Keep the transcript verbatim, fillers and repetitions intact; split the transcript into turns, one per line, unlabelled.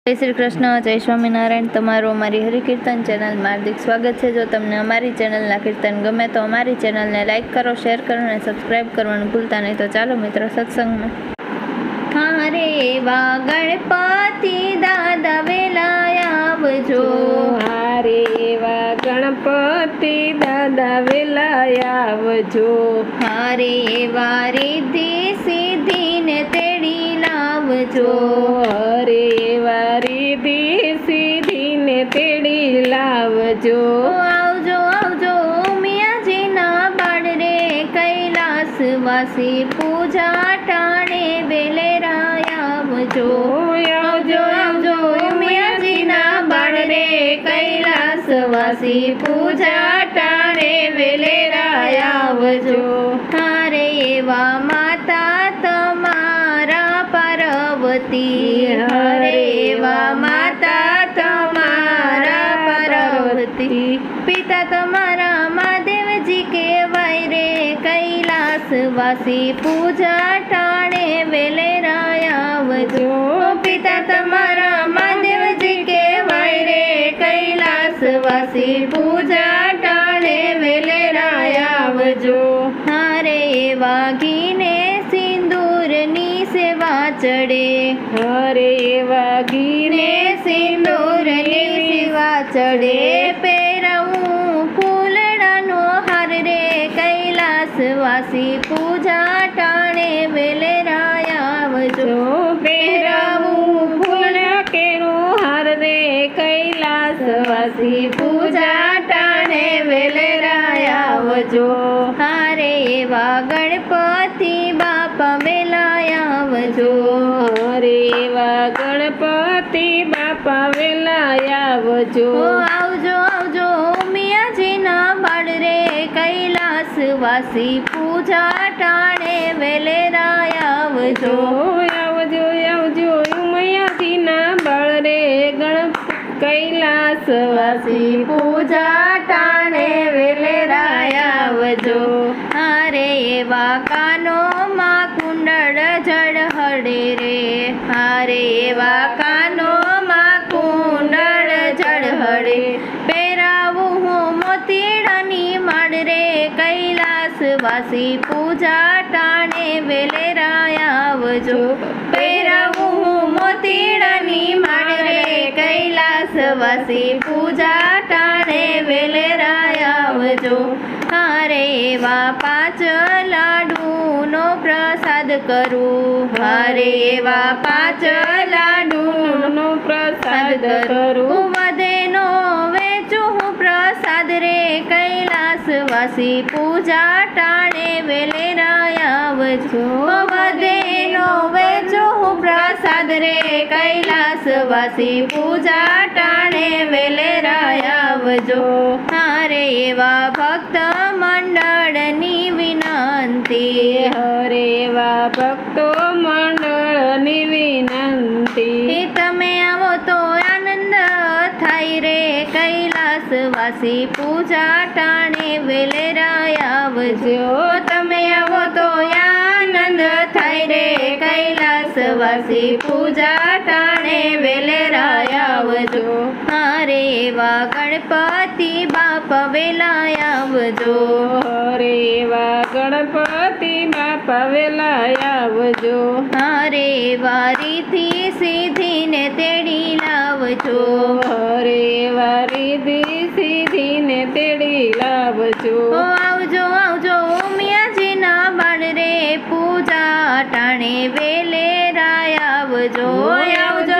જય શ્રી કૃષ્ણ, જય સ્વામિનારાયણ। તમારું અમારી હરિકીર્તન ચેનલમાં હાર્દિક સ્વાગત છે। જો તમને અમારી ચેનલના કીર્તન ગમે તો અમારી ચેનલને લાઇક કરો, શેર કરો અને સબસ્ક્રાઈબ કરવાનું ભૂલતા નહીં। તો ચાલો મિત્રો સત્સંગમાં। હારે એવા ગણપતિ દાદા વેલા આવજો,
હારે એવા ગણપતિ દાદા વેલા આવજો,
હારે એવા રિદ્ધિ સિદ્ધિને તેડી લાવજો,
હરે એવા રિદ્ધિ સિદ્ધિને તેડી લાવજો।
આવજો આવજો મિયાજીના બાળ રે, કૈલાસવાસી પૂજા ટાણે વેલેરા આવજો, આવજો આવજો મિયાજીના બાળ રે, કૈલાસવાસી પૂજા ટાણે વેલેરા આવજો। હારે એવા માતા તમારા પાર્વતી, હરે એવા માતા તમારા પાર્વતી, પિતા તમારા મહાદેવજી કહેવાય રે, કૈલાસવાસી પૂજા ટાણે વેલેરા આવજો, પિતા તમારા મહાદેવજી કહેવાય રે, કૈલાસવાસી પૂજા ટાણે વેલેરા આવજો। હારે એવા ઘીને સિંદૂરની સેવા ચડે,
હરે એવા ગીને
ને સિંદૂરની સેવા ચડે, પહેરવું ફૂલડાનો હાર રે, કૈલાસવાસી પૂજા ટાણે વેલેરા આવજો,
પહેરાવું ફૂલ કેરો હાર રે, કૈલાસવાસી
પૂજા ટાણે વેલેરા આવજો। હારે એવા ગણપતિ બાપા વેલા આવજો,
હરે એવા ગણપતિ બાપા વેલા આવજો,
ઓ આવજો આવજો મિયાજીના બાળ રે, કૈલાસવાસી પૂજા ટાણે વેલેરા આવજો,
આવજો આવજો ઉમયાજીના બાળ રે, ગણ કૈલાસવાસી
પૂજા ટાણે વેલેરા આવજો। હારે એવા કાનોમાં કુંડળ ઝળહળે રે, હારે એવા કાનોમાં કુંડળ ઝળહળે, પહેરાવું હું મોતીડાની માળ રે, કૈલાસવાસી પૂજા ટાણે વેલેરા આવજો, પહેરાવું હું મોતીડાની માળ રે, કૈલાસવાસી પૂજા ટાણે વેલેરા આવજો। હારે એવા પાંચ લાડુનો પ્રસાદ કરું, હારે એવા પાંચ લાડુનો
પ્રસાદ કરું,
વધેનો વેચું હું પ્રસાદ રે, કૈલાસવાસી પૂજા ટાણે વેલેરા આવજો, વધેનો વેચું હું પ્રસાદ રે, કૈલાસવાસી પૂજા ટાણે વેલેરા આવજો। હારે એવા ભક્ત મંડળની વિનંતી,
હરે એવા ભક્તો મંડળની વિનંતી,
તમે આવો તો આનંદ થાય રે, કૈલાસવાસી પૂજા ટાણે વેલેરા આવજો, તમે આવો તો આનંદ થાય રે, કૈલાસવાસી પૂજા ટાણે વેલેરા આવજો। હારે એવા ગણપતિ બાપા વેલા આવજો,
હરે એવા ગણપતિ બાપા વેલા આવજો,
હારે એવા રીતિ સિદ્ધિને તેડી લાવજો,
હરે એવા રિદ્ધિ સિદ્ધિને તેડી લાવજો,
ઓ આવજો આવજો મિયાજીના બાળ રે, પૂજા ટાણે વેલેરા આવજો, આવજો